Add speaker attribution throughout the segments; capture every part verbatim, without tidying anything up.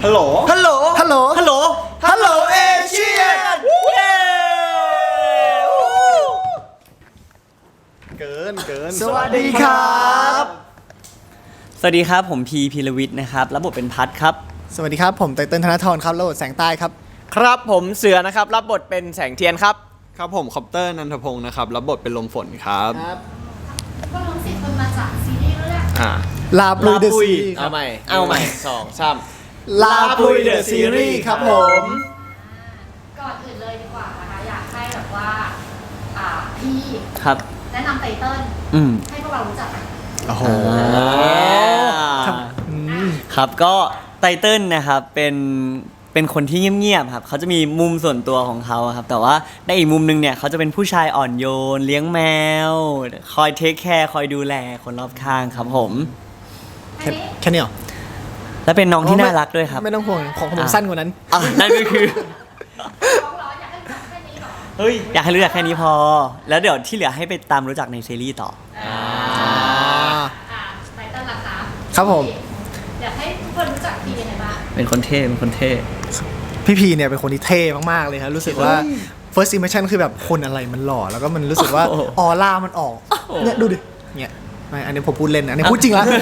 Speaker 1: ฮัลโหลฮัลโหล
Speaker 2: ฮัลโหล
Speaker 1: ฮัลโหลฮัลโหลเอเชียนเกินเกิน
Speaker 2: สวัสดีครับ
Speaker 3: สวัสดีครับผมพีพีรวิทย์นะครับรับบทเป็นพัทครับ
Speaker 2: สวัสดีครับผมไตเติ้ลธนทรครับรับบทแสงใต้ครับ
Speaker 4: ครับผมเสือนะครับรับบทเป็นแสงเทียนครับ
Speaker 1: ครับผมคอปเตอร์นันทพงศ์นะครับรับบทเป็นลมฝนครับ
Speaker 5: พวกน้องสิบคนมาจากซีรีส์เรื่อง
Speaker 1: อ่า
Speaker 2: ลาปลุยเดอะซีรีส์
Speaker 4: เอาใหม่เอาใหม่สองสาม
Speaker 2: ลาปลุยเดอะซีรีส์ครับผม
Speaker 5: ก่อนอื่นเลยดีกว่านะคะอยากให้แบบว่าอ่าพี่
Speaker 3: ครับ
Speaker 5: แนะนำไตเติ้ลให้พวกเรารู้จักกัน
Speaker 2: โอ้โห
Speaker 3: ครับก็ไตเติ้ลนะครับเป็นเป็นคนที่เงียบๆครับเขาจะมีมุมส่วนตัวของเขาครับแต่ว่าในอีกมุมนึงเนี่ยเขาจะเป็นผู้ชายอ่อนโยนเลี้ยงแมวคอยเทคแคร์คอยดูแลคนรอบข้างครับผม
Speaker 2: แค่นี้เหรอ
Speaker 3: และเป็นน้องที่น่ารักด้วยครับ
Speaker 2: ไม่ต้องห่วงของผมสั้นกว่านั้น
Speaker 3: อ่ะนั่นก็คือเฮ้ยอยากให้รู้จักแค่นี้พอแล้วเดี๋ยวที่เหลือให้ไปตามรู้จักในซีรีส์ต่อ
Speaker 5: ไตเติ้ลล่ะคะ
Speaker 2: ครับผม
Speaker 5: อยากให้ทุกคนรู้จักพี่ยังไงบ้าง
Speaker 3: เป็นคนเท่เป็นคนเท่
Speaker 2: พี่พีเนี่ยเป็นคนที่เท่มากๆเลยครับรู้สึกว่า first impression คือแบบคนอะไรมันหล่อแล้วก็มันรู้สึกว่าออร่ามันออกเนี่ยดูดิเนี่ยไม่อันนี้ผมพูดเล่นอันนี้พูดจริงแล้ว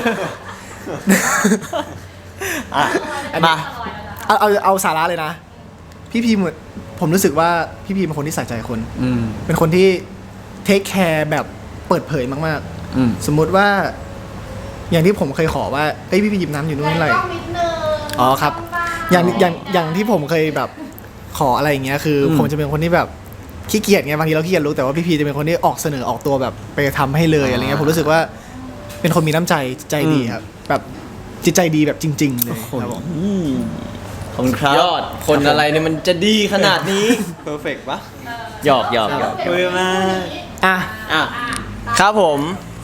Speaker 2: มาเอาเอาเอาสาระเลยนะพี่พีเหมือนผมรู้สึกว่าพี่พีเป็นคนที่ใส่ใจคนเป็นคนที่เทคแคร์แบบเปิดเผยมากๆสมมุติว่าอย่างที่ผมเคยขอว่าเอ้ยพี่พีหยิบน้ำอยู่นู่นอะไรอ๋อครับอย่างอย่างอย่างที่ผมเคยแบบขออะไรอย่างเงี้ยคือผมจะเป็นคนที่แบบขี้เกียจไงบางทีเราขี้เกียจรู้แต่ว่าพี่พีจะเป็นคนที่ออกเสนอออกตัวแบบไปทำให้เลยอะไรเงี้ยผมรู้สึกว่าเป็นคนมีน้ำใจใจดีครับแบบจิตใจดีแบบจริงๆเลยครับผม
Speaker 3: ขอบคุณครับ
Speaker 4: ยอดคนอะไรเนี่ยมันจะดีขนาดนี้
Speaker 1: เพอร์เฟกต์ปะ
Speaker 3: หยอกหยอกหยอก
Speaker 5: คุย
Speaker 3: มา
Speaker 2: อ่ะ
Speaker 4: อ่ะครับผม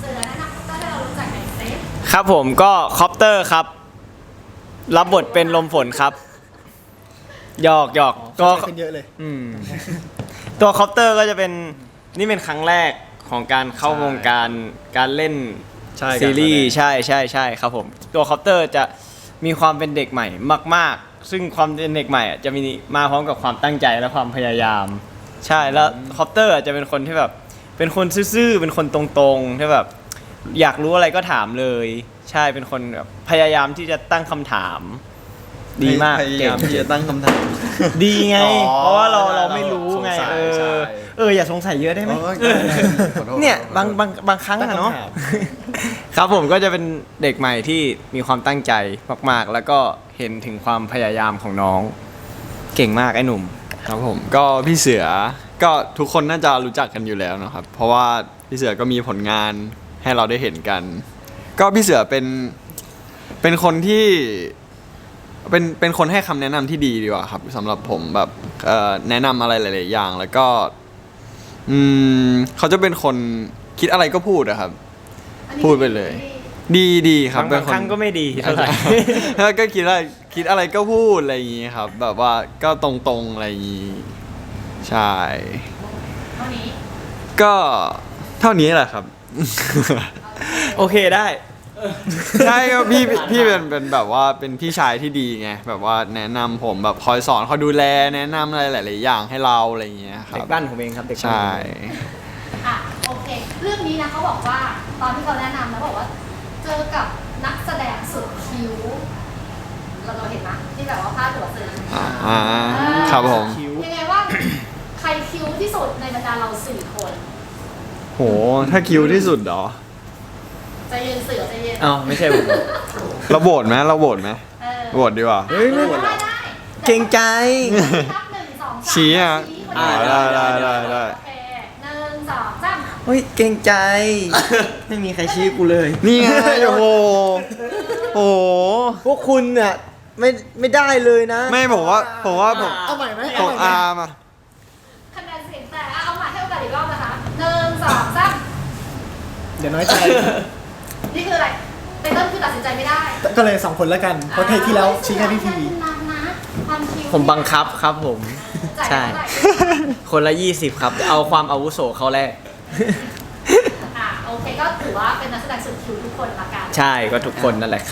Speaker 4: ครับผมก็คอปเตอร์ครับรับบทเป็นลมฝนครับหยอกหยอก
Speaker 2: ก็เยอะเลย
Speaker 4: ตัวคอปเตอร์ก็จะเป็นนี่เป็นครั้งแรกของการเข้าวงการการเล่นซีรีส์ใช่ใช่ใช่ครับผมตัวคอปเตอร์จะมีความเป็นเด็กใหม่มากๆซึ่งความเป็นเด็กใหม่จะมีมาพร้อมกับความตั้งใจและความพยายามใช่แล้วคอปเตอร์จะเป็นคนที่แบบเป็นคนซื่อๆเป็นคนตรงๆที่แบบอยากรู้อะไรก็ถามเลยใช่เป็นคนแบบพยายามที่จะตั้งคำถามดีมาก
Speaker 1: พยายามที่จะตั้งคำถาม
Speaker 4: ดีไงเพราะว่าเราเราไม่รู้ไงเออเอออย่าสงสัยเยอะได้ไหมเนี่ยบางบางบางครั้งอะเนาะครับผมก็จะเป็นเด็กใหม่ที่มีความตั้งใจมากๆแล้วก็เห็นถึงความพยายามของน้องเก่งมากไอ้หนุ่ม
Speaker 1: ครับผมก็พี่เสือก็ทุกคนน่าจะรู้จักกันอยู่แล้วนะครับเพราะว่าพี่เสือก็มีผลงานให้เราได้เห็นกันก็พี่เสือเป็นเป็นคนที่เป็นเป็นคนให้คำแนะนำที่ดีดีกว่าครับสำหรับผมแบบแนะนำอะไรหลายๆอย่างแล้วก็อืมเขาจะเป็นคนคิดอะไรก็พูดอะครับพูดไปเลยดีดีครับ
Speaker 4: บางครั้งก็ไม่ดีเท่าไหร่
Speaker 1: แล้วก็คิดอะไรคิดอะไรก็พูดอะไรอย่างงี้ครับแบบว่าก็ตรงๆอะไรอย่างงี้ใช่
Speaker 5: เท่านี้
Speaker 1: ก็เท่านี้แหละครับ
Speaker 4: โอเคได้
Speaker 1: ใช่ครับพี่พี่เป็นเป็นแบบว่าเป็นพี่ชายที่ดีไงแบบว่าแนะนำผมแบบคอยสอนคอยดูแลแนะนำอะไรหลายๆอย่างให้เราอะไรอย่างเงี้ยครับ
Speaker 4: เด็กบ้านผมเองครับเด็ก
Speaker 1: ใช่
Speaker 5: อ่ะโอเคเรื่องนี้นะเขาบอกว่าตอนที่เขาแนะนำนะบอกว่าเจอกับนักแสดงสุดคิ้วเราเราเห็นไหมที่แบบว่าพาดหัวสื่อ
Speaker 1: อ่าครับผม
Speaker 5: ยังไงว่าใครคิ้วที่สุดในบรรดาเราสี่คน
Speaker 1: โหถ้าคิ้วที่สุดเหรอ
Speaker 5: ใจเย็นเสือใจเย็น
Speaker 4: อ้าวไม่ใช่ผม
Speaker 1: เราโหวตไหมเราโหวตไหมโหวตดีกว่า
Speaker 4: เฮ้ยไม่โหวตเก่งใจ
Speaker 1: ชี้อ่ะได้ได้ได้ได้
Speaker 5: หนึ่งสองสาม
Speaker 4: เฮ้ยเก่งใจไม่มีใครชี้กูเลย
Speaker 1: นี่ไงโอ้โหโอ้
Speaker 4: พวกคุณเนี่ยไม่ไม่ได้เลยนะ
Speaker 1: ไม่ผมว่าผมว่าผม
Speaker 2: เอาใหม่ไหม
Speaker 1: ผมอาร์มา
Speaker 5: คะแนนเสียงแต่เอาใหม่ให้โอกาสอีกรอบนะคะหนึ่งสองสาม
Speaker 2: เดี๋ยวน้อยใจ
Speaker 5: นี่คืออะไรไตเติ้ลคือตัดสินใจไม่ได้
Speaker 2: ก็เลยสองคนแล้วกันเพราะเทปที่แล้วชี้แค่พี่พี
Speaker 4: ผมบังคับครับผมใช่คนละยี่สิบครับเอาความอาวุโสเขาแรก
Speaker 5: อ่ะโอเคก็ถือว่าเป็นนักแสดงสุดคิ้วทุกคนละกัน
Speaker 4: ใช่ก็ทุกคนนั่นแหละครับ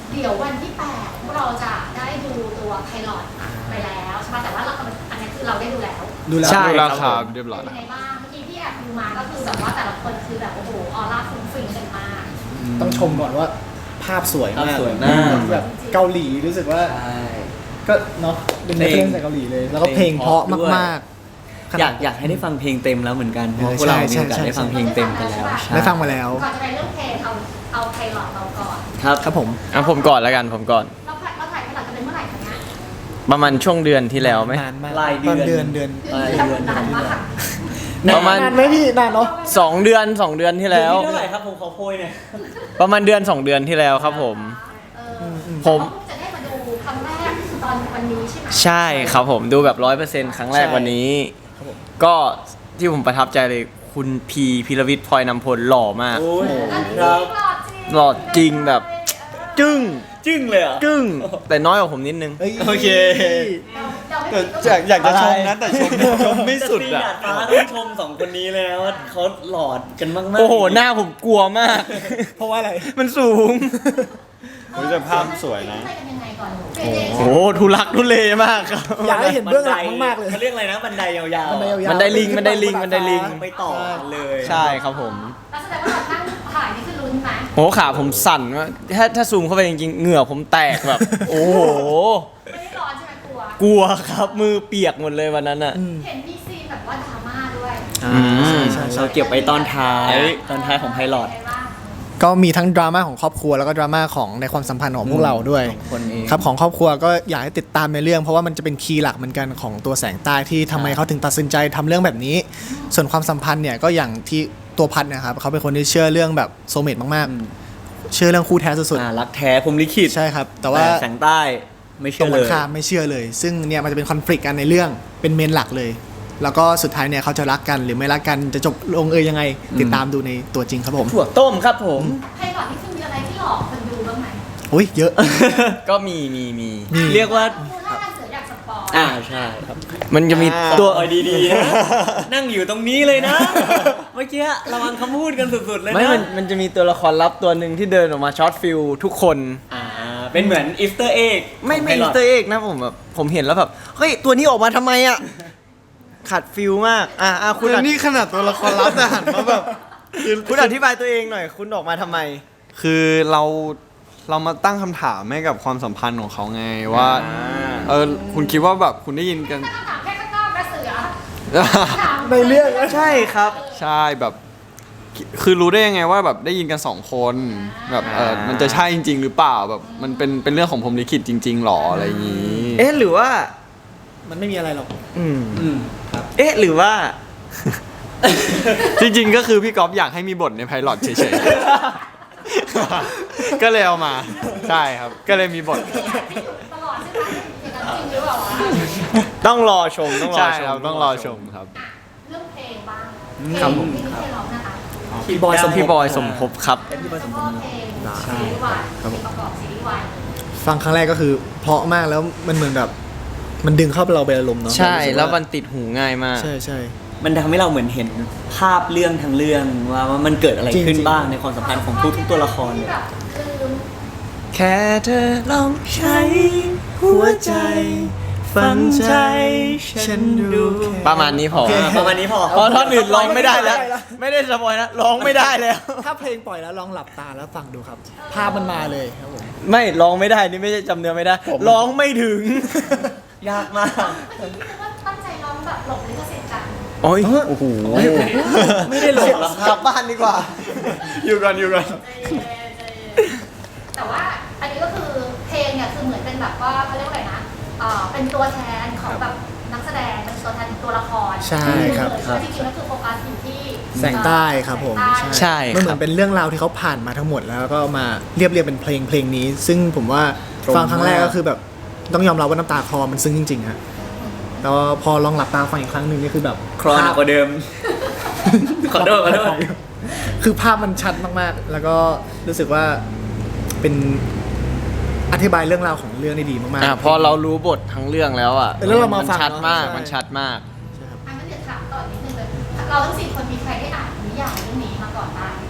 Speaker 5: เดี๋ยววันที่แปดพวกเราจะได้ดูตัวไพลอตไปแล้วใช่ไหมแต่ว่าเราอันนี้คือเราได้ดูแล้ว
Speaker 2: ดูแล้ว
Speaker 4: ใช่
Speaker 1: ดูราคาเรียบร้อย
Speaker 5: เป็น
Speaker 1: แล้ว
Speaker 5: ยังไงบ้างเมื่อกี้ที่แอบดูมาก็คือแบบว่าแต่ละคนคือแบบโอ้โหออร่าฟุ้งฟิ้งกันมาก
Speaker 2: ต้องชมก่อนว่าภาพสวยมาก
Speaker 3: ภาพสวยมาก
Speaker 2: แบบเกาหลีรู้สึกว่า
Speaker 3: ใช่
Speaker 2: ก็เนาะเป็นเรื่องจากเกาหลีเลย แล้วก็เพลงเพราะมากๆข
Speaker 3: อ
Speaker 2: นาด
Speaker 3: ยากอยากให้ได้ฟังเพลงเต็มแล้วเหมือนกันเพราะ
Speaker 2: เออ
Speaker 3: พวกเรา
Speaker 2: ใช่
Speaker 3: มีโอกาส
Speaker 2: ใช่
Speaker 3: ได้ฟังเพลงเต็มกันแล้วใช่
Speaker 2: ได้ฟังมาแล้ว
Speaker 5: ก่อนจะไปเรื่องเพลงเอาเอาไพลอตเราก่อน
Speaker 3: ครับ
Speaker 2: ครับผม
Speaker 4: อ่ะผมก่อนแล้วกันผมก่อน
Speaker 5: เราถ่ายเราถ่ายไพลอตกันเป็นเมื่อไหร่คะเนี่ย
Speaker 4: ประมาณช่วงเดือนที่แล้วไหม
Speaker 2: นานมาก
Speaker 3: ปลายเดือน
Speaker 2: ตอนเดือนเดือน
Speaker 3: ปลายเดือน
Speaker 5: นานมาก
Speaker 4: ประมาณ
Speaker 2: นานไหมพี่นานเนาะ
Speaker 4: สองเดือนสองเดือนที่แล้ว
Speaker 3: เท่าไหร่ครับผมขอโพยหน่อย
Speaker 4: ประมาณเดือนสองเดือนที่แล้วครับผม
Speaker 5: เออ
Speaker 4: ผม
Speaker 5: จะได้มาดูครั้งแรกตอนวันนี้ใช่ไหม
Speaker 4: ใช่ครับผมดูแบบร้อยเปอร์เซ็นต์ครั้งแรกวันนี้ ก็ที่ผมประทับใจเลยคุณพีพีรวิทย์พลอยนำพลหล่อมาก
Speaker 3: โอ้ย
Speaker 5: อันนี้
Speaker 3: ครับ
Speaker 5: หล่อจริง
Speaker 4: หล่อจริงแบบ จึ้ง
Speaker 3: จึ้งเลยเหรอ่ะ
Speaker 4: จึ้งแต่น้อยกว่าผมนิดนึง
Speaker 2: เอ้ย
Speaker 3: โอเค
Speaker 5: เราไม่
Speaker 1: แต่
Speaker 5: ผิด
Speaker 1: อยากอยากจะชมนะแต่ชมชมไม่สุด
Speaker 3: แต่
Speaker 1: อ่ะ
Speaker 3: ซีดาดฟ้าต้องชมสองคนนี้เลยนะว่าเขาหลอดกันมากๆ
Speaker 4: โอ้โห หน้าผมกลัวมาก
Speaker 2: เพราะว่าอะไร
Speaker 4: มันสูง
Speaker 1: โอ้ยแต่ภาพสวยนะ
Speaker 5: ไปกันยังไงก่อนเฟรเดย์
Speaker 4: โอ้โหทุลักทุเลมากครับ
Speaker 2: อยากให้เห็นเบื้องหลังมากๆเลย
Speaker 3: เขาเรียกอะไรนะบันไดยาวๆ
Speaker 2: บันไดยาวๆ
Speaker 4: บันไดลิงบันไดลิงบันไดลิง
Speaker 3: ไปต่อกันเลย
Speaker 4: ใช่ครับผม
Speaker 5: แล้วแสดงว่าเรานั่งถ่ายนี่คือลุ้นไหม
Speaker 4: โหขาผมสั่นมากถ้าถ้าซูมเข้าไปจริงๆ เหงื่อผมแตกแบบ โอ้โห
Speaker 5: ไม่ได้ร้อนใช่ไหมกลัว
Speaker 4: กลัวครับมือเปียกหมดเลยวันนั้นอ่ะ
Speaker 5: เห็นมีซีนแบบว่าดราม่าด้วย
Speaker 2: อ่า
Speaker 4: อืม
Speaker 2: ใช่ใช่
Speaker 3: เราเก็บไว้ตอนท้าย ตอนท้ายของไพลอต
Speaker 5: เป็นไงบ้าง
Speaker 2: ก็มีทั้งดราม่าของครอบครัวแล้วก็ดราม่าของในความสัมพันธ์ของพวกเราด้วย
Speaker 3: ของคนเอง
Speaker 2: ครับของครอบครัวก็อยากให้ติดตามในเรื่องเพราะว่ามันจะเป็นคีย์หลักเหมือนกันของตัวแสงใต้ที่ทำไมเขาถึงตัดสินใจทำเรื่องแบบนี้ ส่วนความสัมพันธ์เนี่ยก็อย่างที่ตัวพัดเนะครับเขาเป็นคนที่เชื่อเรื่องแบบโซลเมตมาก
Speaker 3: อืม
Speaker 2: ๆ เชื่อเรื่องคู่แท้สุด
Speaker 3: อ่ารักแท้ผมลิขิต
Speaker 2: ๆใช่ครับ แต่ว่า
Speaker 3: แสงใต้ไม่
Speaker 2: ตร
Speaker 3: เชื่
Speaker 2: ง
Speaker 3: อ
Speaker 2: กั
Speaker 3: เล
Speaker 2: น
Speaker 3: ย
Speaker 2: ข้ามไม่เชื่อเลย ซึ่งเนี่ยมันจะเป็นคอน FLICT กันในเรื่องเป็นเมนหลักเลย แล้วก็สุดท้ายเนี่ยเขาจะรักกันหรือไม่รักกันจะจบลงเอยยังไง ติดตามดูในตัวจริงครับผม
Speaker 3: ถั่วต้มครับผม
Speaker 5: ไพลอตนี่คือมีอะไรที่หลอกคนดูบ้างไหม
Speaker 2: อุ้ยเยอะ
Speaker 4: ก็มีมีมี
Speaker 2: มี
Speaker 3: เรียกว่า
Speaker 5: ดูท่าทางเสืออยากสปอย
Speaker 3: อ่าใช่ครับ
Speaker 4: มันจะมี
Speaker 1: อ่า
Speaker 4: ตัว
Speaker 3: เออดีๆนะนั่งอยู่ตรงนี้เลยนะ เมื่อกี้ระวังคำพูดกันสุดๆเลยนะ
Speaker 4: ไม่มันมันจะมีตัวละครลับตัวหนึ่งที่เดินออกมาช็อตฟิลทุกคน
Speaker 3: อ่าเป็นเหมือนอีสเตอร์เอ็ก
Speaker 4: ไม่ไม่อิสเตอร์เอ็กนะผมแบบผมเห็นแล้วแบบ เฮ้ย ตัวนี้ออกมาทำไมอ่ะ ขาดฟิลมาก อ่ะอ่ะคุณ
Speaker 1: คือ
Speaker 4: อธิ
Speaker 1: นี่ขนาดตัวละครลับแต่หันมาแบบคือ
Speaker 4: คุณอธิบายตัวเองหน่อย คุณออกมาทำไม
Speaker 1: คือเราเรามาตั้งคำถามให้กับความสัมพันธ์ของเขาไงว่า เออคุณคิดว่าแบบคุณได้ยินกัน
Speaker 5: ตั้งคำถามแค่ข้างนอกกระเสือถาม
Speaker 2: ในเรื่องนะ
Speaker 4: ใช่ครับ
Speaker 1: ใช่แบบ คือรู้ได้ยังไงว่าแบบได้ยินกันสองคนแบบเออมันจะใช่จริง ๆ หรือเปล่าแบบมันเป็นเป็นเรื่องของผมลิขิตจริง ๆหรออะไรอย่างนี้
Speaker 4: เอ๊ะ หรือว่า
Speaker 2: มันไม่มีอะไรหรอก
Speaker 4: อืม
Speaker 3: อืมครับ
Speaker 4: เอ๊ะ หรือว่า
Speaker 1: จริงๆ ก็คือพี่ก๊อฟอยากให้มีบทในไพลอตเฉยๆ ก็เลยเอามา ใช่ครับ ก็เลยมีบท
Speaker 5: ตลอดใช่ไหมอย่างนั้นจริงหรือเปล่าวะ
Speaker 4: ต้องรอชม ต้องรอ
Speaker 1: ใช่
Speaker 4: ช
Speaker 1: ครับ
Speaker 4: ม
Speaker 1: ต้องรอชมครับ
Speaker 5: อ่ะเรื่องเพลงบ้าง
Speaker 3: ครับผม
Speaker 5: เพลงที่เพลงร้องนะคะ
Speaker 3: พี่บอยสม
Speaker 4: พี่บอยสมภพครับ
Speaker 3: พี่บอยสมภ
Speaker 5: ก็
Speaker 3: พ
Speaker 5: เพลงซีรีส์วายเพลงประกอบซีรีส์วาย
Speaker 2: ฟังครั้งแรกก็คือเพราะมากแล้วมันเหมือนแบบ มันดึงเข้าไปเราไปอารมณ์เนาะ
Speaker 4: ใช่
Speaker 2: เรารู้สึกา
Speaker 4: แล้วมันติดหูง่ายมาก
Speaker 2: ใช่ใช่
Speaker 3: มันทำให้เราเหมือนเห็นภาพเรื่องทั้งเรื่องว่าว่ามันเกิดอะไร
Speaker 2: จริงๆ
Speaker 3: ขึ้นบ้างในความสัมพันธ์ของทุกๆตัวละคร
Speaker 5: ที่
Speaker 3: เนี่ย
Speaker 5: แบบคือ
Speaker 4: แค่เธอลอง
Speaker 3: ใช้หัวใจ ฟังใจฉันดู
Speaker 4: ประมาณนี้พอ
Speaker 3: อ่าประมาณนี้พอ
Speaker 4: เพราะท่อนอื่นร้องไม่ได้แล้ว ไม่ได้สปอยนะร้องไม่ได้แล้ว
Speaker 2: ถ้าเพลงปล่อยแล้วลองหลับตาแล้วฟังดูครับ ภาพมันมาเลยครับผม
Speaker 4: ไม่ร้องไม่ได้นี่ไม่ใช่จำเนื้อไม่ได้ ร้องไม่ถึง
Speaker 3: ยากมาก
Speaker 5: เมื่อกี้คือว่าตั้งใจร้องแบบหลบลิขสิทธิ์กัน
Speaker 4: โอ้ยโอ้โห
Speaker 3: ไม่ได้หลบหรอกค
Speaker 4: ก
Speaker 3: รั
Speaker 4: ลั
Speaker 3: บบ
Speaker 4: บ้านดีกว่า
Speaker 1: อยู่กันอยู่กัน
Speaker 5: แต่ว่าอันนี้ก็คือเพลงเนี่ยคือเหมือนเป็นแบบว่าเขาเรียกว่าอะไรนะเอ่อเป็นตัวแทนของแบบนักแสดงเป็นตัวแทนตัวละคร
Speaker 2: ใช่ครับ
Speaker 5: แล้วจริงๆแล้วคือโฟกัสอยู่ที่
Speaker 2: แสงใต้ครับผม
Speaker 5: แสงใต้
Speaker 4: ใช่
Speaker 2: มันเห
Speaker 4: ค
Speaker 2: มื
Speaker 4: รั
Speaker 2: อบ นเป็นเรื่องราวที่เขาผ่านมาทั้งหมดแล้วก็เอามาเรียบเรียงเป็นเพลงเพลงนี้ ซึ่งผมว่า
Speaker 3: ตรง
Speaker 2: ฟังครั้งแรก
Speaker 3: มาก
Speaker 2: ก็คือแบบต้องยอมรับว่าน้ำตาคลอมันซึ้งจริงๆฮะแล้วพอลองหลับตาฟังอีกครั้งหนึ่งนี่คือแบบ
Speaker 3: ครอหนักกว่าเดิม ขอโทษขอโทษ
Speaker 2: คือภาพมันชัดมากๆ แล้วก็รู้สึกว่าเป็นอธิบายเรื่องราวของเรื่องได้ดีมาก
Speaker 4: อ่ะพอเรารู้บททั้งเรื่องแล้วอ่ะ
Speaker 2: แล้วเรามาฟัง
Speaker 4: ชัดมาก
Speaker 2: เนอะ
Speaker 4: มันชัดมาก
Speaker 2: ๆใช่ครับ
Speaker 5: อันนั้นเดี๋ยวถามต่อนิดนึงเลยเราทั้งสี่คนมีใครได้อ่านนิยายเรื่องนี้มาก่อนบ้าง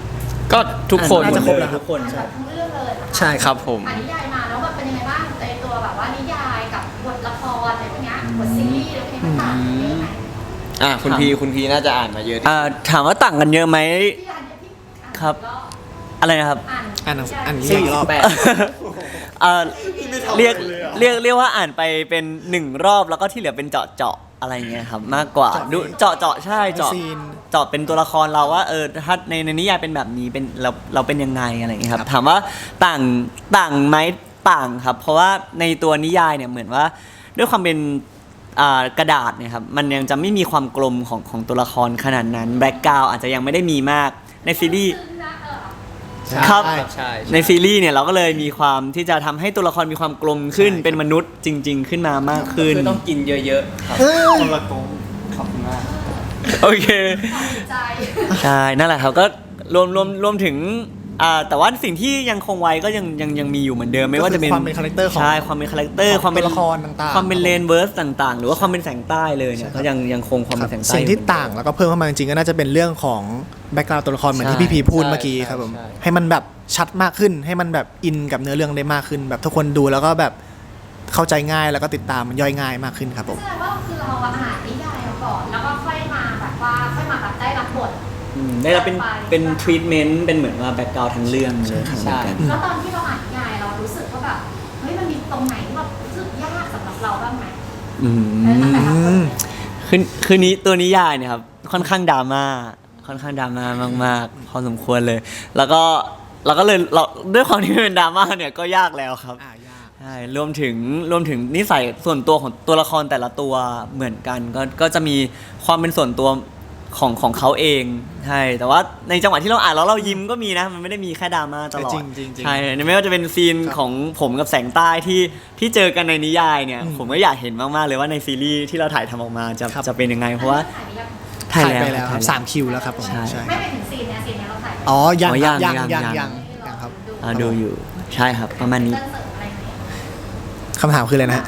Speaker 4: ก็ทุกคน
Speaker 2: น่าจะครบแล้ว
Speaker 3: ทุกคน
Speaker 5: อ่านแบบทั้งเรื่องเลยนะคะ
Speaker 2: ใช่
Speaker 4: ครับผม
Speaker 5: อ่านนิยายมาแล้วแบบเป็นยังไงบ้างในตัวแบบว่านิยายกับบทละครอะไรพวกเนี้ยบทซีรีส์อะไรพวกนี้มันต่างกันเยอะไหม
Speaker 4: อ่ะคุณพีคุณพีน่าจะอ่านมาเยอะที่
Speaker 3: อ่าถามว่าต่างกันเยอะไหม
Speaker 5: พี่อ่านเนี่ยพี่อ่าน
Speaker 3: ครับ
Speaker 5: รอบ
Speaker 3: อะไรนะครับ
Speaker 5: อ่าน
Speaker 2: อ่านหนังสืออ่านนิ
Speaker 4: สี่
Speaker 2: ยายอีกรอบ
Speaker 4: สิบแปด
Speaker 3: เอ่อเรียกเรียกเรียกว่าอ่านไปเป็นหนึ่งรอบแล้วก็ที่เหลือเป็นเจาะเจาะอะไรเงี้ยครับมากกว่า
Speaker 2: เจาะ
Speaker 3: ดูเจาะเจาะใช่เจาะ
Speaker 2: ซีน
Speaker 3: เจาะเป็นตัวละครเราว่าเออถ้าในในนิยายเป็นแบบนี้เป็นเราเราเป็นยังไงอะไรอย่างเงี้ยครับถามว่าต่างต่างไหมต่างครับ เพราะว่าในตัวนิยายเนี่ยเหมือนว่าด้วยความเป็นอ่ากระดาษเนี่ยครับมันยังจะไม่มีความกลมของของตัวละครขนาดนั้นแบ็กกราวอาจจะยังไม่ได้มีมากในซีรีส์
Speaker 5: ซึ่งนะเออ
Speaker 3: ครับ
Speaker 2: ใช่
Speaker 4: ใช่
Speaker 3: ในซีรีส์เนี่ยเราก็เลยมีความที่จะทำให้ตัวละครมีความกลมขึ้น
Speaker 2: ใช่
Speaker 3: เป็นมนุษย์จริง ๆ ขึ้นมามากขึ้น
Speaker 4: คือต้องกินเยอะๆครับ
Speaker 2: เออ
Speaker 4: คนละกงขอบคุณมาก
Speaker 3: โอเค
Speaker 5: ใจ
Speaker 3: ใช่นั่นแหละครับก็รวมรวมรวมถึงอ่าแต่ว่าสิ่งที่ยังคงไว้ก็ยังยังยังมีอยู่เหมือนเดิมไม่ว่าจะเป็น
Speaker 2: ก็คือความเป็นคาแรคเตอร์ของ
Speaker 3: ใช่ความเป็นคาแรคเตอร์
Speaker 2: ของ
Speaker 3: ความเป็น
Speaker 2: ตัวละครต่างๆ
Speaker 3: ความเป็นเลนเวิร์สต่างๆ หรือว่าความเป็นแสงใต้เลยเนี่ย
Speaker 2: ใช่ครับ
Speaker 3: ก็ยังยังคงความเป็นแสงใต้
Speaker 2: สิ่งที่
Speaker 3: อยู่เหมือนเดิม
Speaker 2: ต่างแล้วก็เพิ่มเข้ามาจริงๆก็น่าจะเป็นเรื่องของแบ็กกราวด์ตัวละครเหมือนที่
Speaker 3: ใช่
Speaker 2: พี่พีพูด
Speaker 4: ใช่
Speaker 2: เมื่อกี้ครับผม
Speaker 4: ใช่
Speaker 2: ให้มันแบบชัดมากขึ้น ให้มันแบบอินกับเนื้อเรื่องได้มากขึ้น แบบทุกคนดูแล้วก็แบบเข้าใจง่ายแล้วก็ติดตามมันย่อยง่ายมากขึ้นครับผม
Speaker 5: แสดงว่าคือเราอ่านนิยายมาก่อนแล้วก็ค่อยมาแบบว่าค่อยมาแบบได้รับบท
Speaker 3: อืมได้รับเป็นเป็นทรีทเมนต์เป็นเหมือนว่าแบ็กกราวด์ทั้งเรื่องเลย
Speaker 4: ใช่
Speaker 3: เหมือนกัน
Speaker 5: แล้วตอนที่เราอ่านนิยายเรารู้สึกว่าแบบเฮ้ยมันมีตรงไหนที่แบบรู้สึกยากสำหรับเราบ้างไหม
Speaker 3: อื
Speaker 5: เออตั้งแต่เรา
Speaker 3: ม คือคือนี้ตัวนิยายเนี่ยครับค่อนข้างดราม่าค่อนข้างดราม่ามากๆ พอสมควรเลย แล้วก็เราก็เลยเราด้วยความที่มันเป็นดราม่าเนี่ยก็ยากแล้วครับ
Speaker 2: อ่ายาก
Speaker 3: ใช่รวมถึงรวมถึงนิสัยส่วนตัวของตัวละครแต่ละตัวเหมือนกัน ก็ก็จะมีความเป็นส่วนตัวของของเขาเองใช่แต่ว่าในจังหวะที่เราอ่านแล้วเรายิ้มก็มีนะมันไม่ได้มีแค่ดราม่าตลอด
Speaker 2: จริงๆจริงๆ
Speaker 3: ใช่ไม่ว่าจะเป็นซีน
Speaker 2: ครับ
Speaker 3: ของผมกับแสงใต้ที่ที่เจอกันในนิยายเนี่ย
Speaker 2: อืม
Speaker 3: ผมก็อยากเห็นมากๆเลยว่าในซีรีส์ที่เราถ่ายทำออกมาจะ
Speaker 2: ครับ
Speaker 3: จะเป็นยังไงเพราะว่า
Speaker 5: ถ่ายไปยัง
Speaker 2: ถ่ายไปแล้วครับ
Speaker 3: ถ่ย
Speaker 2: สามคิวแล้วครับผม
Speaker 3: ใช่
Speaker 2: ใช่
Speaker 5: ไม่ไปถึงซีนเนี่ยซีนเนี่ยเราถ่ายไป
Speaker 2: อ๋อยัง
Speaker 3: อ๋อ
Speaker 2: ครับ
Speaker 3: ยั
Speaker 2: ยัง ง
Speaker 3: ยั
Speaker 2: ยัง ง
Speaker 3: ยั
Speaker 2: ยัง งยังครับ
Speaker 3: อ่าดูอยู่ใช่ครับ ประมาณนี้
Speaker 5: เต้นเสริมอะไรไหม
Speaker 2: คำถามคืออะไรนะฮะ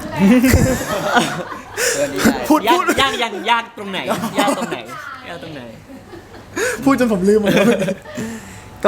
Speaker 4: ตัวนี้ได้
Speaker 2: พูด
Speaker 3: ยา
Speaker 2: พู
Speaker 3: ก
Speaker 2: ด
Speaker 3: ยากยากยากตรงไหนยากตรงไหนยากตรงไหน
Speaker 2: พูดจนผมลืมหมดแล้วก็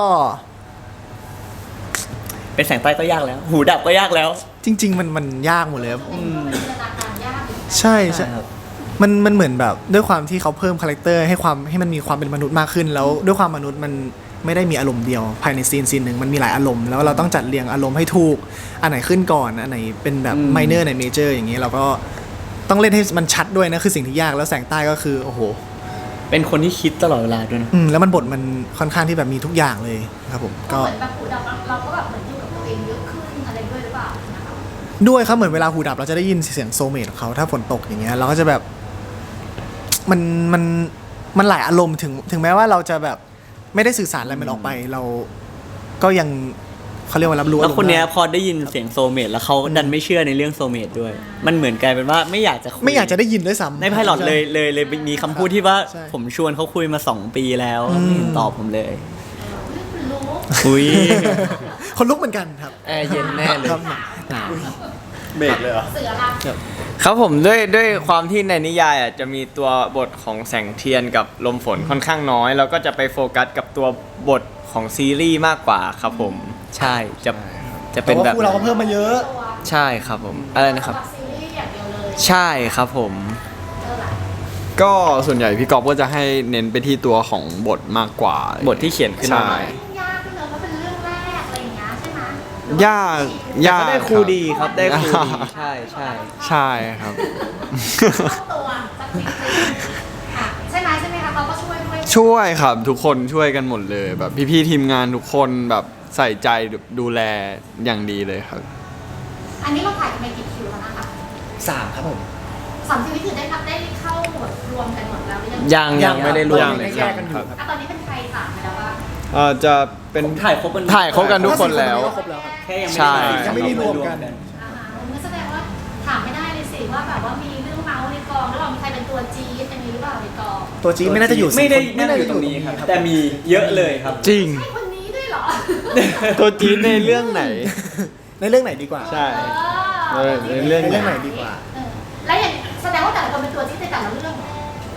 Speaker 3: เป็นแสงใต้ก็ยากแล้ว หูดับก็ยากแล้ว
Speaker 2: จริง ๆ มันมันยากหมดเลยครับ
Speaker 5: อืมจินตนาการยากอยู่
Speaker 2: ใช่ใช่
Speaker 3: ครับ
Speaker 2: มันมันเหมือนแบบด้วยความที่เขาเพิ่มคาแรคเตอร์ให้ความให้มันมีความเป็นมนุษย์มากขึ้น แล้วด้วยความมนุษย์มันไม่ได้มีอารมณ์เดียว ภายในซีนซีนหนึ่งมันมีหลายอารมณ์แล้วเราต้องจัดเรียงอารมณ์ให้ถูกอันไหนขึ้นก่อนอันไหนเป็นแบบ
Speaker 3: อืม
Speaker 2: ไมเนอร์อันไหนเมเจอร์อย่างนี้เราก็ต้องเล่นให้มันชัดด้วยนะคือสิ่งที่ยากแล้วแสงใต้ก็คือโอ้โห
Speaker 3: เป็นคนที่คิดตลอดเวลาด้วยนะ
Speaker 2: อืมแล้วมันบทมันค่อนข้างที่แบบมีทุกอย่างเลยครับผม
Speaker 5: ก็
Speaker 2: ก็
Speaker 5: เหมือนแบบหูดับเราก็แบบเหมือนอยู่กับตัวเองเยอะขึ้นอะไรด้วยหรือเปล่านะคะ
Speaker 2: ด้วยครับเหมือนเวลาหูดับเราจะได้ยินเสียงโซเมตของเขาถ้าฝนตกอย่างเงี้ยเราก็จะแบบมันมันมันหลายอารมณ์ถึงถึงแม้ว่าเราจะแบบไม่ได้สื่อสารอะไรมันออกไป เราก็ยังเขาเรียกว่ารับรู้
Speaker 3: แล้วคนเนี้ย
Speaker 2: อารมณ์
Speaker 3: พอได้ยินเสียงโซลเมตแล้วเขาดันไม่เชื่อในเรื่องโซลเมตด้วย มันเหมือนกลายเป็นว่าไม่อยากจะคุ
Speaker 2: ได้ไม่อยากจะได้ยินด้วยซ้ำ
Speaker 3: ในไพลอตเลยเลยเลยมีคำพูดที่ว่า
Speaker 2: ใช่
Speaker 3: ผมชวนเขาคุยมาสองปีแล้ว
Speaker 2: อืม
Speaker 3: ไม่เห็นตอบผมเลย
Speaker 5: เรื่องคุณรู้
Speaker 3: อุ้ย
Speaker 2: คนลุกเหมือนกันครับ
Speaker 4: แอร์เย็นแน่เลย
Speaker 2: ครับหนาว
Speaker 4: เบรกเลยเหรอ
Speaker 5: เสือละ
Speaker 4: ครับผมด้วยด้วยความที่ในนิยายอ่ะจะมีตัวบทของแสงเทียนกับลมฝนค่อนข้างน้อย แล้วก็จะไปโฟกัสกับตัวบทของซีรีส์มากกว่าครับผมใช่จะจะ
Speaker 2: แต่
Speaker 4: เป็น
Speaker 2: ว่า
Speaker 4: แบบ
Speaker 2: คู่เราก็เพิ่มมาเยอะ
Speaker 5: ตัว
Speaker 4: ใช่ครับผมอะไรนะครับ
Speaker 5: สำหซีรีส์อย่างเดียวเลย
Speaker 4: ใช่ครับผม
Speaker 5: เออล่ะ
Speaker 1: ก็ส่วนใหญ่พี่กอฟก็จะให้เน้นไปที่ตัวของบทมากกว่า
Speaker 4: บทที่เขียนขึ้นมา
Speaker 1: ใช่
Speaker 5: ยากขึ้นเลยเพราะเป็นเรื่องแรกอะไรอย่างเงี้ยใช่ไหมหรือว่
Speaker 1: ยาก
Speaker 4: แต่
Speaker 1: ยาก
Speaker 4: ก็ได้ครูดีครับได้ครูดี
Speaker 1: ครับ
Speaker 4: ใช่ใช่
Speaker 1: ใช่ครับ
Speaker 5: เข้าตัวสักนิดนึงอ่ะใช่ไหมใช่ไหมคะเขาก็ช่วยด้วย
Speaker 1: ช่วยครับทุกคนช่วยกันหมดเลย แบบพี่ๆทีมงานทุกคนแบบใส่ใจดูแลอย่างดีเลยครับ
Speaker 5: อันนี้เราถ่ายกันไปกี่คิวแล้วนะคะ
Speaker 2: สามครับผม
Speaker 5: สามชีวิตคือได้รับได้เข้าหมดรวมกันหมดแล้วหรือยัง
Speaker 4: ยังยังไม่ได้รวม
Speaker 1: ยัง
Speaker 4: เลย
Speaker 2: แยกกันอยู่ครับ
Speaker 5: อ่ะตอนนี้เป็นใครถามไปแล้วว่า
Speaker 1: เอ่อจะเป็น
Speaker 3: ถ่ายครบกัน
Speaker 1: ถ่ายครบกันทุกคนแล้ว
Speaker 2: ครบแล้วครับ
Speaker 3: แค่ยัง
Speaker 1: ใช่
Speaker 2: ยังไม่ได้รวมกัน
Speaker 5: อ่าฮะงั้นแสดงว่าถามไม่ได้เลยสิว่าแบบว่ามีเรื่องเมาส์ในกองแล้วเรามีใครเป็นตัวจี๊ดอันนี้หรือเปล่าในกอง
Speaker 2: ตัวจีดไม่น่าจะอยู่
Speaker 3: ไม่ได้
Speaker 2: สี่คน
Speaker 3: นั่งอยู่ตรงนี้ครับ แต่มีเยอะเลยครับ
Speaker 1: จริง
Speaker 5: ใช่คนนี้ด้วยเหรอ
Speaker 1: ตัวจี๊ดในเรื่องไหน
Speaker 2: ในเรื่องไหนดีกว่า
Speaker 1: ใช่
Speaker 5: เออ
Speaker 1: ในเรื่อง
Speaker 2: ในเรื่องไหนดีกว่า
Speaker 5: เออแล้วอย่างแสดงว่าแต่ละคนเป็นตัวจี๊ดในแต่ละเรื่องเหรอ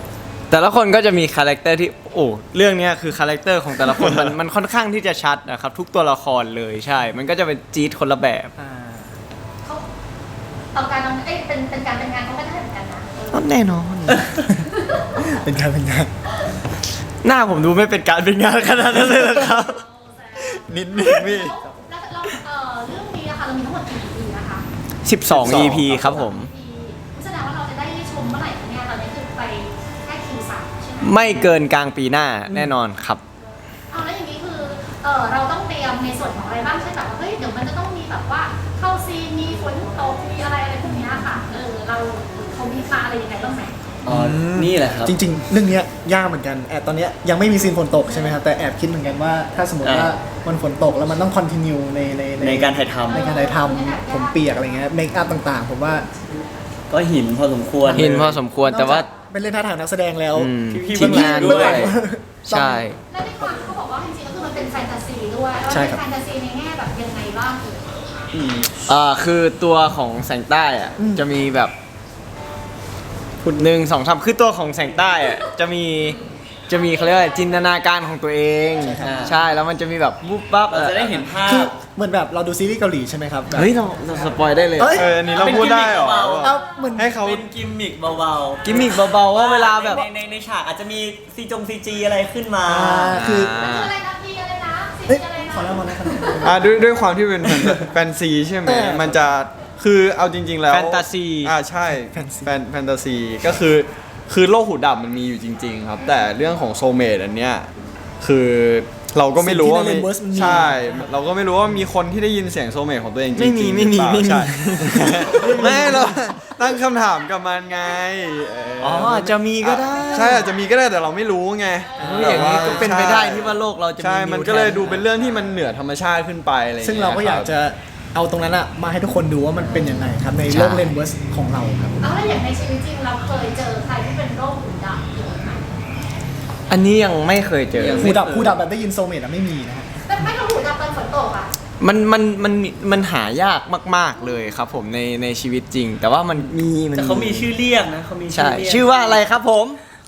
Speaker 4: แต่ละคนก็จะมีคาแรคเตอร์ที่โอ้เรื่องเนี้ยคือคาแรคเตอร์ของแต่ละคน มันมันค่อนข้างที่จะชัดนะครับทุกตัวละครเลยใช่ มันก็จะเป็นจี๊ดคนละแบบ
Speaker 5: เขาต่อการทำเอ้ยเป็นเป็นการเป็นงานเขาก็ได้เหมือนกันนะเออ
Speaker 4: แน่นอน
Speaker 2: เป็นการเป็นงาน
Speaker 4: หน้าผมดูไม่เป็นการเป็นงานขนาดนั้นเลยเหรอครับ
Speaker 1: นิดนึงพี่
Speaker 5: แล้วแล้วเอ่อเรื่องนี้นะคะเรามีทั้งหมดกี่ อี พี นะคะ
Speaker 4: สิบสอง อี พี ครับผม
Speaker 5: แสดงว่าเราจะได้ชมเมื่อไหร่คะเนี่ยตอนนี้คือไปแค่คิวสามใช่ไหม
Speaker 4: ไม่เกินกลางปีหน้าแน่นอนครับ
Speaker 5: เอาแล้วอย่างนี้คือเออเราต้องเตรียมในส่วนของอะไรบ้างใช่แบบว่าเฮ้ยเดี๋ยวมันจะต้องมีแบบว่าเข้าซีนมีฝนตกมีอะไรอะไรพวกเนี้ยค่ะเออเราเขามีมาอะไรยังไงบ้างไหม
Speaker 3: อ๋อนี่แหละครับ
Speaker 2: จริงๆ เรื่องเนี้ยยากเหมือนกันแอบตอนเนี้ยยังไม่มีซีนฝนตกใช่ไหมครับแต่แอบคิดเหมือนกันว่าถ้าสมมติว่า
Speaker 3: อ่า
Speaker 2: มันฝนตกแล้วมันต้องคอนติเนียในใน
Speaker 3: ในการถ่ายทำ
Speaker 2: ในการถ่ายทำผมเปียกอะไรเงี้ยเมคอัพต่างๆ ผมว่า
Speaker 3: ก็หินพอสมควร
Speaker 4: เห็นพอสมควรแต่ว่า
Speaker 2: นอกจกเป็นเล่นท่าทางนักแสดงแล้ว
Speaker 4: อืม
Speaker 3: พี่ๆ
Speaker 4: ทีมงาน
Speaker 3: เบื้
Speaker 4: ด้
Speaker 3: อง
Speaker 4: ว
Speaker 3: หลั
Speaker 4: ย
Speaker 3: ง
Speaker 4: ใช่
Speaker 5: และในความที่เขาบอกว่าจริงๆก็คือมันเป็นแฟนตาซีด้วยแล้ว
Speaker 2: ใช่
Speaker 5: เป็น
Speaker 2: ครับ
Speaker 5: แฟนตาซีในแง่แบบยังไงบ้างเอ่ย
Speaker 4: อ่าคือตัวของแสงใต้อะ
Speaker 2: อืม
Speaker 4: จะมีแบบขุดหนึ่งสองสามคือตัวของแสงใต้อะจะมีจะมีเขาเรียกว่าจินตนาการของตัวเอง ใช่แล้วมันจะมีแบบวุบปั๊บ
Speaker 3: เราจะได้เห็นภา
Speaker 2: คือ
Speaker 3: พ
Speaker 2: เหมือนแบบเราดูซีรีส์เกาหลีใช่ไหมครับแบบ
Speaker 4: เฮ้ยเราเราสปอยได้เลย
Speaker 2: เอ้ย
Speaker 1: เอออันนี้เราพูดได้เหรอ
Speaker 2: เอาเหมือน
Speaker 1: ให้เขา
Speaker 3: เป็นกิมมิกเบาๆ
Speaker 4: กิมมิกเบาๆว่าเวลาแบบ
Speaker 3: ในในในฉากอาจจะมีซีจงซีจีอะไรขึ้นมา
Speaker 2: อ่าคือ
Speaker 5: มันคืออะไรนะพี่อะไรนะซี
Speaker 2: เอ้ย
Speaker 5: อะไรนะ
Speaker 2: ขอเล่ามานะครับ
Speaker 1: อ่าด้วยด้วยความที่เป็นแฟนแฟนซีใช่ไหม
Speaker 2: เออ
Speaker 1: มันจะคือเอาจริง ๆ แล้ว
Speaker 4: แฟนตาซี
Speaker 1: อ่าใช่
Speaker 2: แฟนซี
Speaker 1: แฟนแฟนตาซีก็คือคือโลกหูดับมันมีอยู่จริง ๆ ครับ แต่เรื่องของโซเมดอันเนี้ยคือเราก็ไม่รู้ว่า
Speaker 2: สิ่งที่ใน Rainverse มันมี
Speaker 1: ใช่ เราก็ไม่รู้ว่ามีคนที่ได้ยินเสียงโซเมดของตัวเองจ
Speaker 4: ไม่
Speaker 1: ริ
Speaker 4: มี
Speaker 1: งๆ
Speaker 4: ไม่มี
Speaker 1: หรือเปล่า
Speaker 4: ไม่มี
Speaker 1: ใช่ ไม่เราตั้งคำถามกับมันไงเ
Speaker 4: อ๋ออาจจะมีก็ได้
Speaker 1: ใช่อาจจะมีก็ได้แต่เราไม่รู้ไง
Speaker 4: เฮ้ยอย่างนี้ก็เป็นไปได้ที่ว่าโลกเราจะมี
Speaker 1: ใช่ มัน
Speaker 4: นิว
Speaker 1: ก็เลย
Speaker 4: แทน
Speaker 1: ดูเป็นเรื่องที่มันเหนือธรรมชาติขึ้นไปอะไร
Speaker 2: ซึ่งเราก็อยากจะเอาตรงนั้นอะมาให้ทุกคนดูว่ามันเป็นยังไงครับในโลกเลนเวิร์สของเราครับ
Speaker 5: เอาแล้วอย่างในชีวิตจริงเราเคยเจอใครที่เป็นโรคหูดับเยอะไหม
Speaker 4: อันนี้ยังไม่เคยเจอ
Speaker 3: ยัง
Speaker 2: หูดับหูดับแบบได้ยินโซเมตอะไม่มีนะฮะ
Speaker 5: แต่ไม่ต้องหูดับตอนฝนตกอ่ะ
Speaker 4: มันมันมันมันหายากมาก ๆเลยครับผมในในชีวิตจริง แต่ว่ามันมีมัน
Speaker 3: แต่เขามีชื่อเรียกนะเขามีชื่
Speaker 4: ใช่
Speaker 3: อเรียก
Speaker 4: ชื่อว่าอะไรครับผม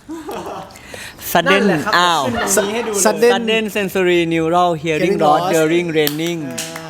Speaker 3: sudden
Speaker 4: นั่นแหละครับ
Speaker 3: อ้าว
Speaker 4: ขึ้นตรงนี้ให้ดูเลย
Speaker 2: Sudden
Speaker 3: sudden sensory neural hearing
Speaker 2: Hearing
Speaker 3: loss
Speaker 2: loss
Speaker 3: during raining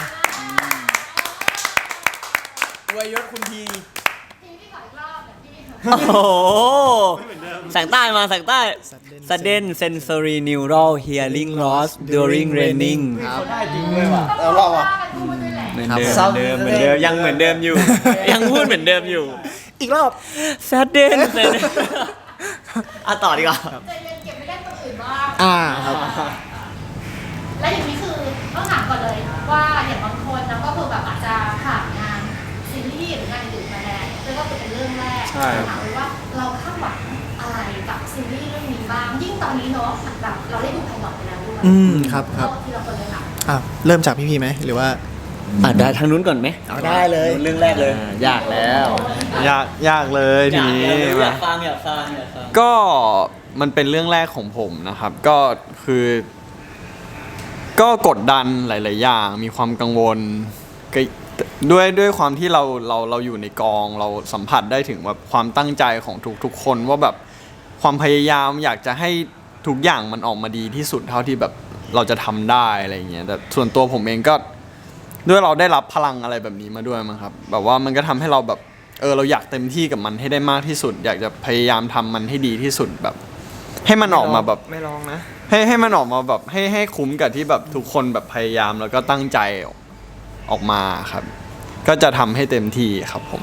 Speaker 1: วยยศคุณที
Speaker 5: ทีที่ขออีกรอบแบบที่
Speaker 3: โอ้โหแสงใต้มาแสงใต้ sudden sensory neural hearing loss during raining
Speaker 5: เขาได้จริงเลยว่ะแล้วเราอ่ะพูดด้วยแหละ
Speaker 3: เหมือน
Speaker 1: ครับ
Speaker 3: เดิม
Speaker 4: เหมือนเดิมเหมือนเดิมยังเหมือนเดิมอยู่ ยังพูดเหมือนเดิมอยู่
Speaker 2: อีกรอบ
Speaker 3: sudden sen- อ่ะต่อดีกว่า
Speaker 5: ใจเย็นเก็บไม่ได้คนอื่นบ้าง
Speaker 2: อ่าครับ
Speaker 5: และอย่างนี้คือต้องถามก่อนเลยว่าอย่างบางคนนะก็คือแบบอาจจะผ่านงานซีรีส์หรืองานอื่นมาแล้วแล้วก็เป็นเรื่องแรก
Speaker 1: ใช่
Speaker 5: ถามเลยว่าเราคาดหวังอะไรกับซีรีส์เรื่องนี้บ้าง ยิ่งตอนนี้เนาะแบบเราได้ดูไพลอตไปแล้วด้วย
Speaker 2: อืมครับครับ
Speaker 5: เอาทีละคนเลยค่ะ
Speaker 2: อ่ะเริ่มจากพี่พีไหมหรือว่า
Speaker 3: อ่ะได้ทางนู้นก่อนไหม
Speaker 2: เอาได้เลย
Speaker 3: เรื่องแรกเลย
Speaker 4: ยากแล้ว
Speaker 1: ยากยากเลยทีนี้
Speaker 3: อยาก
Speaker 1: มา
Speaker 3: อยากฟังอยากฟังอยากฟัง
Speaker 1: ก็มันเป็นเรื่องแรกของผมนะครับ ก็คือ ก็กดดันหลาย ๆ อย่าง มีความกังวลก็ด้วยด้วยความที่เราเราเราอยู่ในกองเราสัมผัสได้ถึงแบบความตั้งใจของทุก ๆ คนว่าแบบความพยายามอยากจะให้ทุกอย่างมันออกมาดีที่สุดเท่าที่แบบเราจะทำได้อะไรอย่างเงี้ยแต่ส่วนตัวผมเองก็ด้วยเราได้รับพลังอะไรแบบนี้มาด้วยมั้งครับแบบว่ามันก็ทำให้เราแบบเออเราอยากเต็มที่กับมันให้ได้มากที่สุด อยากจะพยายามทำมันให้ดีที่สุดแบบ ให้มันออกมาแบบ
Speaker 4: ไม่ลองนะ
Speaker 1: ให้ให้มันออกมาแบบให้ให้คุ้มกับที่แบบทุกคนแบบพยายามแล้วก็ตั้งใจออกมาครับ ก็จะทำให้เต็มที่ครับผม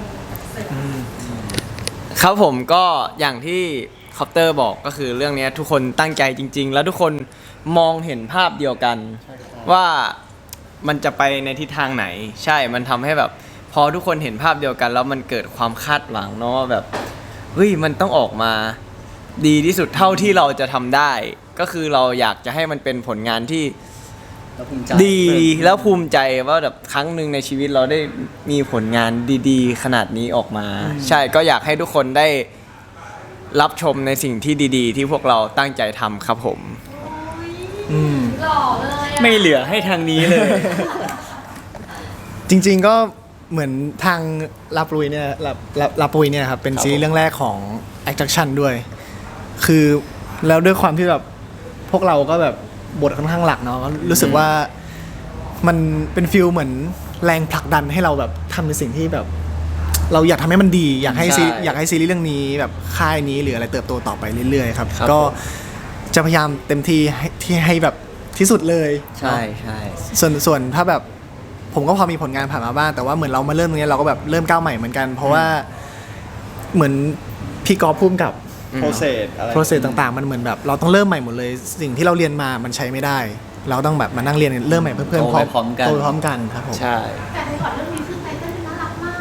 Speaker 4: ครับผมก็อย่างที่คอปเตอร์บอกก็คือเรื่องนี้ทุกคนตั้งใจจริง ๆ แล้วทุกคนมองเห็นภาพเดียวกัน ว่ามันจะไปในทิศทางไหน ใช่มันทำให้แบบ พอทุกคนเห็นภาพเดียวกัน แล้วมันเกิดความคาดหวังเนาะว่าแบบเฮ้ยมันต้องออกมาดีที่สุดเท่าที่เราจะทำได้ ก็คือเราอยากจะให้มันเป็นผลงานที่
Speaker 3: แล้วภูมิใจ
Speaker 4: ดีแล้วภูมิใจว่าแบบครั้งหนึ่งในชีวิตเราได้มีผลงานดีๆ ขนาดนี้ออกมา ใช่ก็อยากให้ทุกคนได้รับชมในสิ่งที่ดีๆ ที่พวกเราตั้งใจทำครับผม
Speaker 2: อืม
Speaker 5: หล่อเลยอะ
Speaker 3: ไม่เหลือให้ทางนี้เลย
Speaker 2: จริง ๆก็เหมือนทางลาปุยเนี่ยลาลาลาปุยเนี่ยครับเป็นซีรีส์เรื่องแรกของ Attraction ด้วยคือแล้วด้วยความที่แบบพวกเราก็แบบบทค่อนข้างหลักเนาะก็รู้สึกว่ามันเป็นฟิลเหมือนแรงผลักดันให้เราแบบทำในสิ่งที่แบบ เราอยากทำให้มันดีอยากให้ซี
Speaker 4: ใช่
Speaker 2: อยากให้ซีรีส์เรื่องนี้แบบค่ายนี้หรืออะไรเติบโตต่อไปเรื่อยๆครับ
Speaker 4: ครับ
Speaker 2: ก็
Speaker 4: ผม
Speaker 2: จะพยายามเต็มที่ให้ที่ให้แบบที่สุดเลย
Speaker 3: ใช่ใช่
Speaker 2: ส่วนส่วนถ้าแบบผมก็พอมีผลงานผ่านมาบ้างแต่ว่าเหมือนเรามาเริ่มตรงนี้เราก็แบบเริ่มก้าวใหม่เหมือนกัน เพราะว่าเหมือนพี่กอล์ฟพุ่มกับ
Speaker 1: process อะไร
Speaker 2: process ต่างๆ มันเหมือนแบบเราต้องเริ่มใหม่หมดเลย สิ่งที่เราเรียนมามันใช้ไม่ได้ เราต้องแบบมานั่งเรียนเริ่มใหม่เพื่อน
Speaker 3: โต
Speaker 2: ๆ
Speaker 3: ไปพร้อมกัน
Speaker 2: โตไปพร้อมกันครับผม
Speaker 4: ใช่
Speaker 5: แต่ในก่อนเรื่องนี้คือไตเติ้ลน่ารักมาก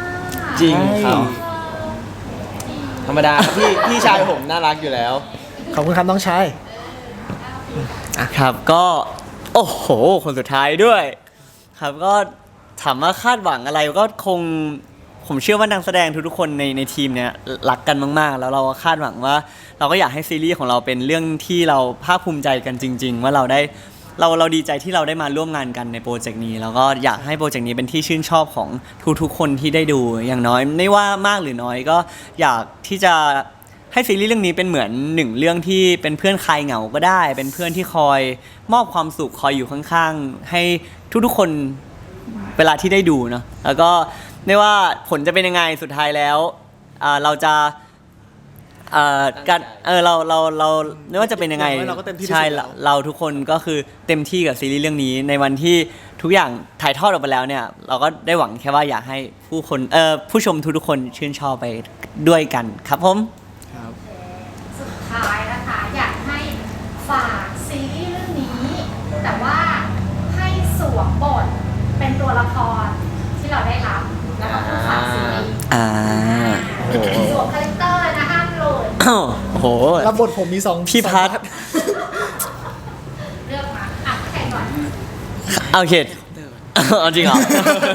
Speaker 4: จริงครับ
Speaker 5: เออดี
Speaker 4: ธรรมดาครับพี่พี่ชายผมน่ารักอยู่แล้ว
Speaker 2: ขอบคุณครับน้องชาย
Speaker 3: ครับก็โอ้โหคนสุดท้ายด้วย ครับก็ถามว่าคาดหวังอะไรก็คงผมเชื่อว่านักแสดงทุกๆคนในในทีมเนี้ยรักกันมากๆ แล้วเราก็คาดหวังว่า เราก็อยากให้ซีรีส์ของเราเป็นเรื่องที่เราภาคภูมิใจกันจริง ๆ ว่าเราได้เราเราดีใจที่เราได้มาร่วมงานกันในโปรเจกต์นี้แล้วก็อยากให้โปรเจกต์นี้เป็นที่ชื่นชอบของทุกๆคนที่ได้ดูอย่างน้อยไม่ว่ามากหรือน้อยก็อยากที่จะ ให้ซีรีส์เรื่องนี้เป็นเหมือนหนึ่งเรื่องที่เป็นเพื่อนคลายเหงาก็ได้ เป็นเพื่อนที่คอยมอบความสุขคอยอยู่ข้างๆให้ทุกๆคนเวลาที่ได้ดูเนาะแล้วก็ไม่ว่าผลจะเป็นยังไงสุดท้ายแล้วอ่าเราจะอ่าการเออเราเราเราไม่ว่าจะเป็นยังไง
Speaker 2: อย่างน้อยเราก็เต็มที่ที่สุด
Speaker 3: ใช่
Speaker 2: แล้ว
Speaker 3: เราทุกคนก็คือเต็มที่กับซีรีส์เรื่องนี้ในวันที่ทุกอย่างถ่ายทอดออกไปแล้วเนี่ยเราก็ได้หวังแค่ว่าอยากให้ผู้คนเอ่อผู้ชมทุกๆคนชื่นชอบไปด้วยกันครับผม
Speaker 5: สุดท้ายนะคะอยากให้ฝากซีรีส์เรื่องนี้ แต่ว่าให้สวมบทเป็นตัวละครที่เราได้รับแล้วก็ผู้ฝากซีรีส์
Speaker 3: อ่า
Speaker 5: สวมคาแรคเตอร์นะห้ามหลุด
Speaker 3: โอ้โห
Speaker 2: รับบทผมมีสอง
Speaker 3: พี่พัท
Speaker 2: สอง
Speaker 5: เลือกมาอ่ะใครก่อน
Speaker 3: เอาเขตเอาจริงเหรอ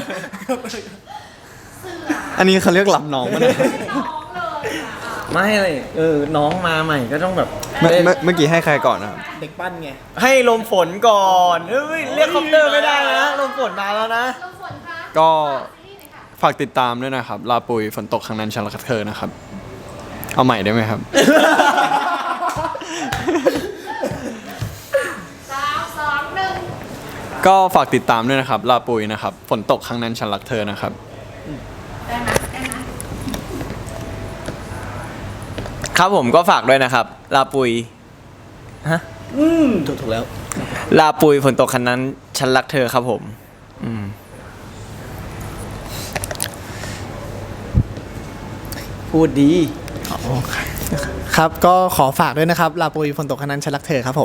Speaker 5: เสือ
Speaker 1: อันนี้เขาเรียกหลับน้องมาเนี่ย
Speaker 5: น้องเลยอ่ะ
Speaker 4: ไม่เลยเออน้องมาใหม่ก็ต้องแบบ
Speaker 1: เมื่อเมื่อเมื่อกี้ให้ใครก่อนนะครับ
Speaker 2: เด็กปั้นไง
Speaker 4: ให้ลมฝนก่อนเฮ้ยเรียกคอปเตอร์ไม่ได้นะลมฝนมาแล้วนะ
Speaker 5: ลมฝนคะ
Speaker 1: ก็
Speaker 5: ฝากซีรีส์หน่อยค่ะ
Speaker 1: ฝากติดตามด้วยนะครับ ลาปุยฝนตกครั้งนั้นฉันรักเธอนะครับ เอาใหม่ได้ไหมครับ
Speaker 5: สามสองหนึ่ง
Speaker 1: ก็ฝากติดตามด้วยนะครับ ลาปุยนะครับ ฝนตกครั้งนั้นฉันรักเธอนะครับ
Speaker 5: ได้ไหมได้ไหม
Speaker 4: ครับผมก็ฝากด้วยนะครับ ลาปุยฮะ
Speaker 2: ถูกถูกแล้ว
Speaker 4: ลาปุยฝนตกคันนั้นฉันรักเธอครับผมอืมพูดดี
Speaker 2: ครับก็ขอฝากด้วยนะครับลาปุยฝนตกคณันฉันรักเธอครับผม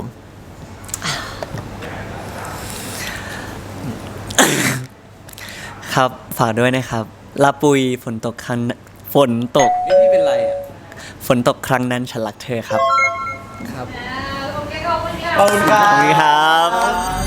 Speaker 3: ครับฝากด้วยนะครับลาปุยฝนตกครั้งฝนตกนี่เป็นไรอ่ะฝนตกครั้งนั้นฉันรักเธอครับ
Speaker 2: ครับ
Speaker 5: อ่าโอเคขอบคุณค่ะ
Speaker 4: ขอบคุณครั
Speaker 3: ขอบคุณครับ